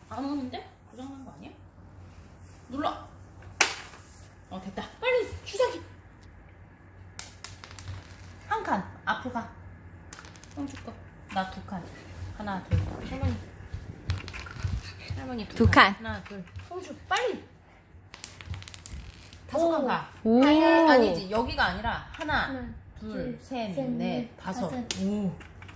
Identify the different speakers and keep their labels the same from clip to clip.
Speaker 1: 안 오는데? 고장난 거 아니야? 눌러. 됐다. 빨리 주사기. 한 칸 앞으로 가. 홍주 거. 나 두 칸. 하나, 둘. 할머니
Speaker 2: 두 칸.
Speaker 1: 하나, 둘. 홍주 빨리. 다섯 칸 가.
Speaker 2: 오.
Speaker 1: 아니지. 여기가 아니라 하나, 둘, 셋, 넷, 다섯. 오.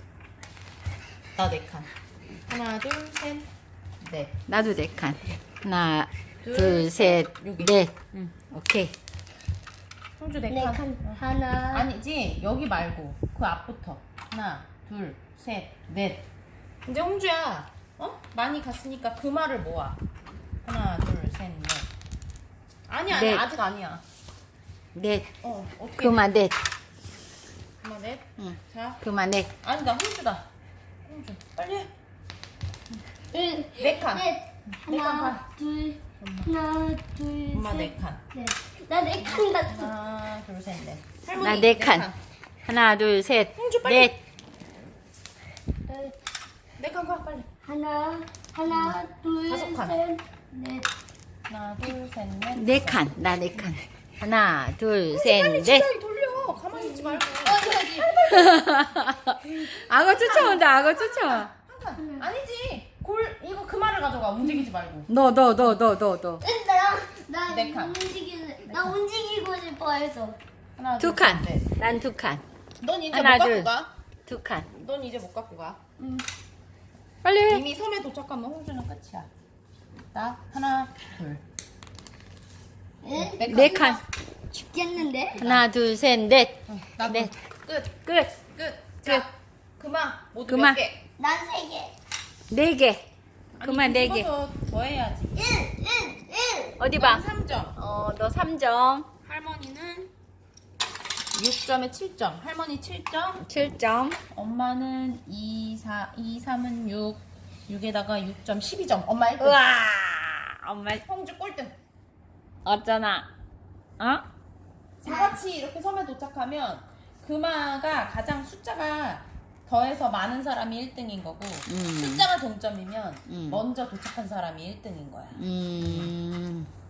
Speaker 1: 나 네 칸. 하나, 둘, 셋, 넷.
Speaker 2: 나도 4칸. 하나, 둘, 셋,
Speaker 1: 여기.
Speaker 2: 넷.
Speaker 1: 응.
Speaker 2: 오케이.
Speaker 1: 홍주 네
Speaker 3: 네
Speaker 1: 칸.
Speaker 3: 칸. 하나.
Speaker 1: 아니지. 여기 말고 그 앞부터. 하나, 둘, 셋, 넷. 이제 홍주야. 많이 갔으니까 그 말을 모아. 하나, 둘, 셋, 넷. 아니야,
Speaker 2: 넷.
Speaker 1: 아직 아니야.
Speaker 2: 넷.
Speaker 1: 어떻게?
Speaker 2: 그만 넷.
Speaker 1: 그만 넷.
Speaker 2: 응.
Speaker 1: 자,
Speaker 2: 그만 넷.
Speaker 1: 아니 나 홍주다. 홍주, 빨리 해.
Speaker 3: 네
Speaker 1: 칸. 네 칸
Speaker 3: 하나,
Speaker 1: 가.
Speaker 3: 둘. 하나, 둘,
Speaker 1: 엄마
Speaker 3: 셋.
Speaker 1: 네 칸.
Speaker 3: 넷. 나 네 칸 갔어.
Speaker 1: 하나, 둘, 셋, 넷.
Speaker 2: 나
Speaker 1: 할머니
Speaker 2: 네 칸. 하나, 둘, 셋,
Speaker 1: 홍주 빨리.
Speaker 2: 넷.
Speaker 1: 네 칸 가, 빨리.
Speaker 3: 하나, 둘,
Speaker 1: 다섯 칸.
Speaker 3: 셋, 넷.
Speaker 1: 하나, 둘, 셋, 넷.
Speaker 2: 4칸. 나 4칸. 하나, 둘,
Speaker 1: 빨리
Speaker 2: 셋, 넷.
Speaker 1: 주사위 돌려. 가만히 있지 말고.
Speaker 2: 악어 쫓아온다. 악어 쫓아와.
Speaker 1: 한 칸. 아니지. 이거 그 말을 가져가. 움직이지 말고.
Speaker 2: 너.
Speaker 3: 나
Speaker 1: 네 칸.
Speaker 3: 나 움직이고 싶어 해서.
Speaker 1: 하나,
Speaker 2: 두
Speaker 1: 둘,
Speaker 2: 칸.
Speaker 1: 셋, 넷.
Speaker 2: 난 2칸.
Speaker 1: 넌 이제
Speaker 2: 하나,
Speaker 1: 못 갖고
Speaker 2: 둘.
Speaker 1: 가.
Speaker 2: 2칸.
Speaker 1: 넌 이제 못 갖고 가.
Speaker 2: 빨리 해.
Speaker 1: 이미 섬에 도착하면 홍주는 끝이야. 나 하나, 둘.
Speaker 3: 응?
Speaker 2: 네 칸.
Speaker 3: 죽겠는데?
Speaker 2: 하나, 둘, 셋, 넷.
Speaker 1: 나도
Speaker 2: 넷.
Speaker 1: 끝.
Speaker 2: 끝.
Speaker 1: 끝. 자, 그만. 모두
Speaker 2: 그만.
Speaker 1: 몇 개?
Speaker 3: 난 세 개.
Speaker 2: 4개.
Speaker 1: 아니,
Speaker 2: 그만 4개.
Speaker 1: 뒤집어서 더 해야지.
Speaker 3: 1.
Speaker 2: 어디 봐.
Speaker 1: 3점.
Speaker 2: 너 3점.
Speaker 1: 할머니는 6점에 7점. 할머니 7점.
Speaker 2: 7점.
Speaker 1: 엄마는 2, 3은 6. 6에다가 6점, 12점. 엄마 1등.
Speaker 2: 우와. 엄마
Speaker 1: 홍주 꼴등.
Speaker 2: 어쩌나. 어?
Speaker 1: 다 같이 이렇게 섬에 도착하면 금화가 가장 숫자가 더해서 많은 사람이 1등인 거고 숫자가 동점이면
Speaker 2: 음.
Speaker 1: 먼저 도착한 사람이 1등인 거야.